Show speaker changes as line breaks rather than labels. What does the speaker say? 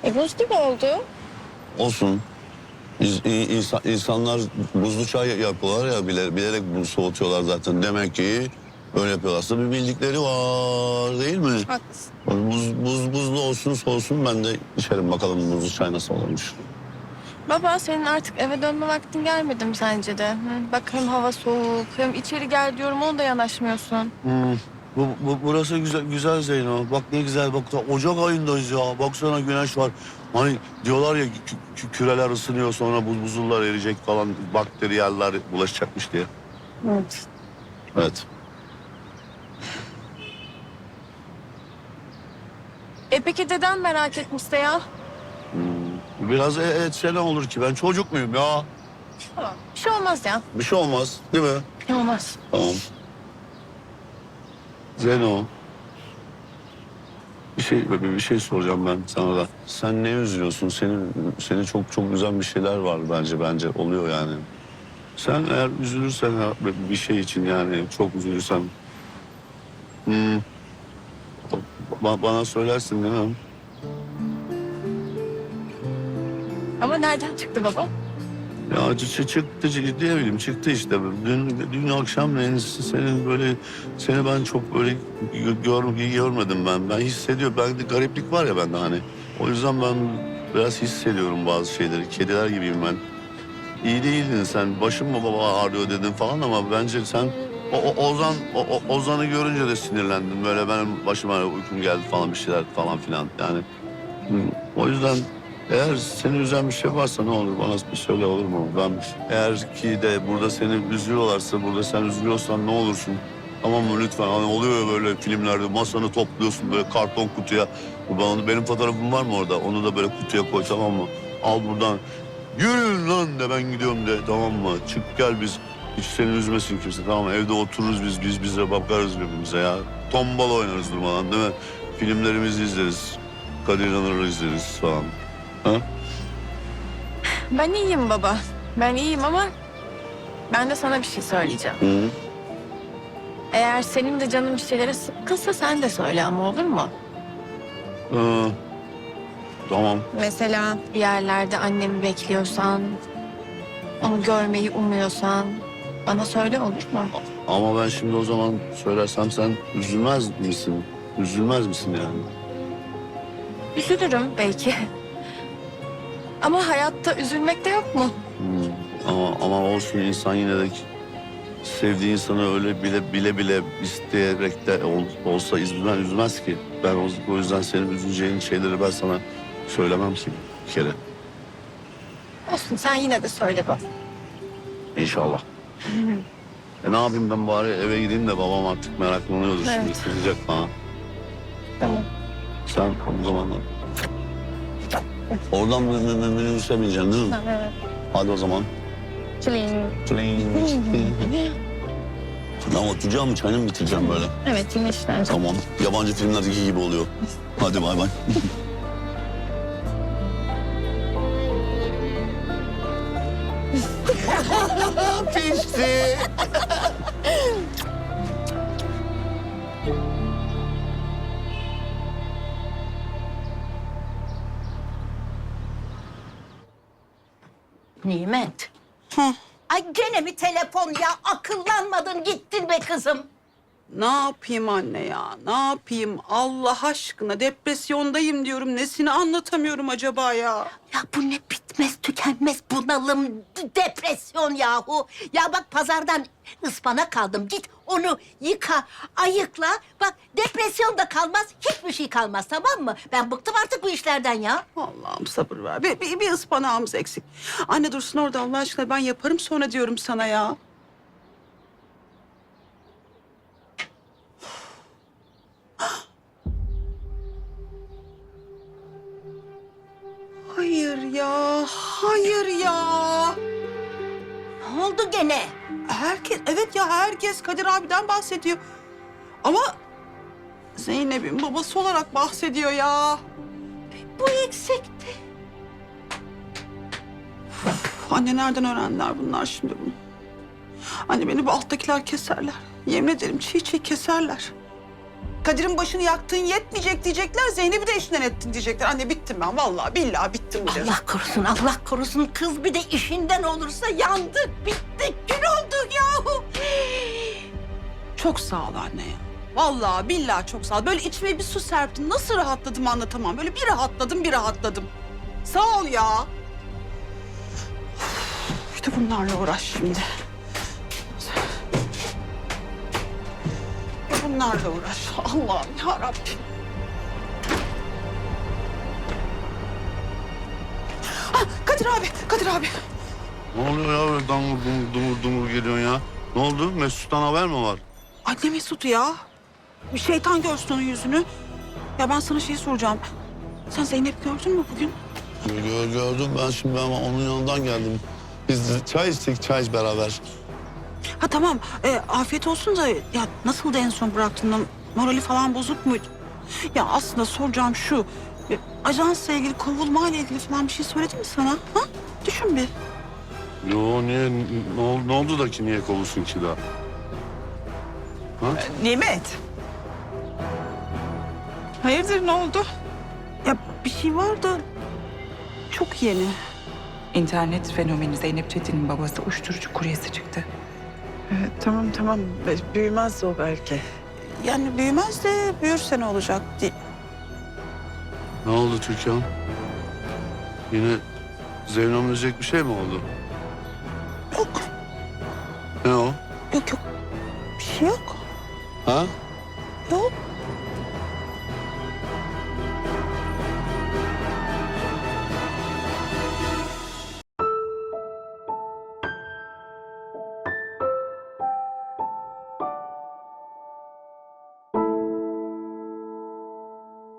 Buz gibi oldu.
Olsun. İnsanlar buzlu çay yapıyorlar ya, bilerek bunu soğutuyorlar zaten. Demek ki öyle yapıyorlarsa bir bildikleri var, değil mi?
Haklısın.
Buzlu olsun soğusun, ben de içerim bakalım buzlu çay nasıl olmuş.
Baba senin artık eve dönme vaktin gelmedi mi sence de? Hı? Bak hem hava soğuk hem içeri gel diyorum ona da yanaşmıyorsun.
Burası güzel Zeyno. Bak ne güzel, bak Ocak ayındayız ya. Baksana güneş var. Hani diyorlar ya küreler ısınıyor, sonra buzullar eriyecek falan, bakteriyeller bulaşacakmış diye.
Evet.
Evet.
Peki dedem merak etmişse ya.
Biraz etse ne olur ki? Ben çocuk muyum ya?
Tamam. Bir şey olmaz ya.
Bir şey olmaz, değil mi?
Bir şey olmaz.
Tamam. Zeno. Bir şey soracağım ben sana da. Sen ne üzülüyorsun? Seni çok üzen bir şeyler var bence oluyor yani. Sen eğer üzülürsen bir şey için, yani çok üzülürsen, bana söylersin değil mi?
Ama nereden çıktı baba?
Ya çıktı, ne bileyim, çıktı işte. Dün akşam seni ben çok böyle görmedim ben. Ben hissediyorum. Bende gariplik var ya bende hani. O yüzden ben biraz hissediyorum bazı şeyleri. Kediler gibiyim ben. İyi değildin sen. Başım mı baba ağrıyor dedin falan, ama bence sen Ozan'ı görünce de sinirlendin. Böyle benim başıma uykum geldi falan, bir şeyler falan filan yani. O yüzden eğer seni üzen bir şey varsa ne olur bana bir söyle, olur mu? Ben eğer ki de burada seni üzüyorlarsa, burada sen üzülüyorsan ne olursun? Tamam mı lütfen? Hani oluyor ya böyle filmlerde, masanı topluyorsun böyle karton kutuya. Benim fotoğrafım var mı orada? Onu da böyle kutuya koy, tamam mı? Al buradan. Yürüyün lan de, ben gidiyorum de, tamam mı? Çık gel biz. Hiç seni üzmesin kimse, tamam mı? Evde otururuz biz bize bakarız birbirimize ya. Tombala oynarız durmadan, değil mi? Filmlerimizi izleriz. Kadir İnanır'ı izleriz falan. Ha?
Ben iyiyim baba. Ben iyiyim ama ben de sana bir şey söyleyeceğim.
Hı.
Eğer senin de canın bir şeylere sıkkınsa sen de söyle ama olur mu?
Tamam.
Mesela bir yerlerde annemi bekliyorsan, onu görmeyi umuyorsan bana söyle olur mu?
Ama ben şimdi o zaman söylersem sen üzülmez misin? Üzülmez misin yani?
Üzülürüm belki. Ama hayatta üzülmek de yok mu?
Ama olsun, insan yine de sevdiği insanı öyle bile isteyerek de olsa üzmez ki. Ben o yüzden senin üzüleceğin şeyleri ben sana söylemem ki bir kere.
Olsun sen yine de söyle bak.
İnşallah. Ne yapayım ben, bari eve gideyim de babam artık meraklanıyordur şimdi,
Evet.
sızacak bana.
Tamam.
Sen o zaman oradan minibüse bineceksin değil mi?
Evet.
Hadi o zaman. Ben oturacağım mı, çayını mı bitireceğim böyle?
Evet yine işler.
Tamam. Yabancı filmlerdeki gibi oluyor. Hadi bay bay. Pişti.
Nimet. Ay gene mi telefon ya? Akıllanmadın gittin be kızım.
Ne yapayım anne ya? Ne yapayım? Allah aşkına depresyondayım diyorum. Nesini anlatamıyorum acaba ya?
Ya bu ne bitmez tükenmez bunalım, depresyon yahu. Ya bak pazardan ıspanak aldım. Git onu yıka, ayıkla. Bak depresyon da kalmaz, hiçbir şey kalmaz, tamam mı? Ben bıktım artık bu işlerden ya.
Allah'ım sabır ver. Bir ıspanağımız eksik. Anne dursun orada Allah aşkına, ben yaparım sonra diyorum sana ya. Hayır ya, hayır ya.
Ne oldu gene?
Herkes, evet ya herkes Kadir abiden bahsediyor. Ama Zeynep'in babası olarak bahsediyor ya.
Bu eksikti.
Anne nereden öğrendiler bunlar şimdi bunu? Anne beni bu alttakiler keserler. Yemin ederim çiğ çiğ keserler. Kadir'in başını yaktığın yetmeyecek diyecekler. Zeynep'i de işinden ettin diyecekler. Anne bittim ben vallahi billahi bittim bu defa.
Allah korusun, Allah korusun. Kız bir de işinden olursa yandık, bittik, gün olduk yahu.
Çok sağ ol anne ya. Vallahi billahi çok sağ ol. Böyle içime bir su serptin. Nasıl rahatladım anlatamam. Böyle bir rahatladım. Sağ ol ya. İşte bunlarla uğraş şimdi. Bunlarla uğraş. Allah'ım ya Rabbim. Kadir abi.
Ne oluyor ya böyle dumur geliyorsun ya? Ne oldu? Mesut'tan haber mi var?
Anne Mesut ya. Bir şeytan görsün onun yüzünü. Ya ben sana şey soracağım. Sen Zeynep gördün mü bugün?
Gördüm ben onun yanından geldim. Biz de çay içtik beraber.
Ha tamam. Afiyet olsun da ya nasıldı en son bıraktığında? Morali falan bozuk muydu? Ya aslında soracağım şu. Ajansla ilgili, kovulmayla ilgili falan bir şey söyledi mi sana? Ha? Düşün bir.
Yo niye? Ne oldu da ki niye kovulsun ki daha? Ha?
Nimet. Hayırdır ne oldu?
Ya bir şey var da çok yeni.
İnternet fenomeni Zeynep Çetin'in babası uyuşturucu kuryesi çıktı.
Tamam. Büyümez o belki.
Yani büyümez de büyürse ne olacak diye.
Ne oldu Türkan? Yine zevnomlayacak bir şey mi oldu?
Yok,
Ne o?
yok. Bir şey yok.
Ha?
Yok.